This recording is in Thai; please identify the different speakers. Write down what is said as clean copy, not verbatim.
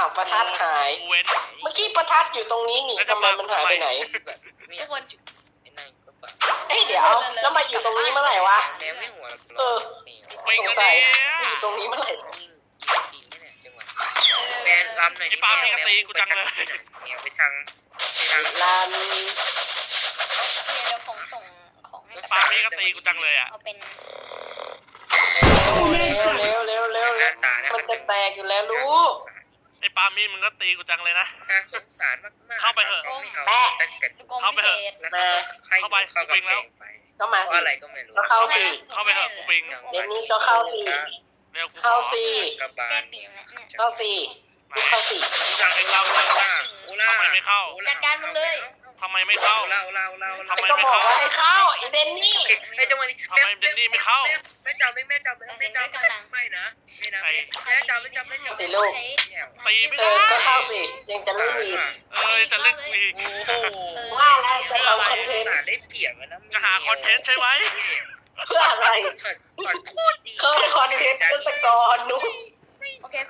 Speaker 1: าวประทัดหาย
Speaker 2: เว้น
Speaker 1: เมื่อกี้ประทัดอยู่ตรงนี้นี่ทำไมมันหายไปไหน
Speaker 3: ทุกคน
Speaker 1: เอ้ยเดี๋ยวแล้วมาอยู่ตรงนี้เมื่อไหร่วะ
Speaker 3: แมวไม่หัว
Speaker 2: ไป
Speaker 1: สง
Speaker 2: กัน
Speaker 1: สัย
Speaker 2: เนี่ย
Speaker 1: มาอยู่ตรงนี้เมื่อไหร่
Speaker 3: ยิงเนี่ยจังหวะแมวลำหน่อยแมวไปทาง
Speaker 1: ลาน
Speaker 4: เดี๋ยวผมส่งของให้กับ
Speaker 2: ปาล์มนี่ก็ตีกูจังเลยอ่ะ
Speaker 4: เอาเป็น
Speaker 1: เร็วมันจะแตกอยู่แล้วลูก
Speaker 2: ไอ้ปาล์มนี่มึงก็ตีกูจังเลยนะ
Speaker 3: น่าสงสารมากๆ
Speaker 2: เข้าไปเถอะ
Speaker 4: ลูกอม
Speaker 2: เข้าไป
Speaker 4: พิ
Speaker 2: เถ
Speaker 4: เศ
Speaker 2: อะ
Speaker 4: ษ
Speaker 3: เข้าไปเข้าไปแล้ว
Speaker 1: ก็มา
Speaker 3: เพราะ
Speaker 1: สิ
Speaker 3: อะไรก็ไม่รู้
Speaker 1: ก็เข้าสิ
Speaker 2: เข้าไปเถอะกูปิง
Speaker 1: เดี๋ยวนี้ก็เข้าสิ
Speaker 2: เร็วกู
Speaker 1: เข้าสิ
Speaker 3: กระบา
Speaker 4: แก้
Speaker 3: ล
Speaker 4: ปีกนะเนี่ย
Speaker 1: เข้าสิลูกเข้าสิ
Speaker 2: จังไอ้เราทำไมไม่เข้า
Speaker 4: จัดการมึงเลย
Speaker 2: ทำไมไม่เข้า
Speaker 3: เรา
Speaker 2: ทำไม
Speaker 1: ก็
Speaker 2: ไม่
Speaker 1: บอก
Speaker 2: เข้า
Speaker 1: ว่าให้เข้าไอเดนนี่
Speaker 3: ไอ้จังหวะนี้
Speaker 2: ทำไมเดนนี่ไม่เข้า
Speaker 3: แม่จับเลยแม่จับไม่จับไม่นะแม่จับไม่จับ
Speaker 1: สิลูก
Speaker 2: ตีไม่
Speaker 1: เอ
Speaker 2: ได้
Speaker 1: อก็เข้าสิยังจะเล่นอีก
Speaker 2: จะเล่นอีก
Speaker 3: โอ้โห
Speaker 1: ว่าแล้วจะทำคอนเทนต์
Speaker 3: ได้เปรียบนะ
Speaker 2: จะหาคอนเทนต์ใช่ไหม
Speaker 1: เพื่ออะไร
Speaker 3: โคตรดี
Speaker 1: เข้าคอนเทนต์ก็สกอร์นุ๊ก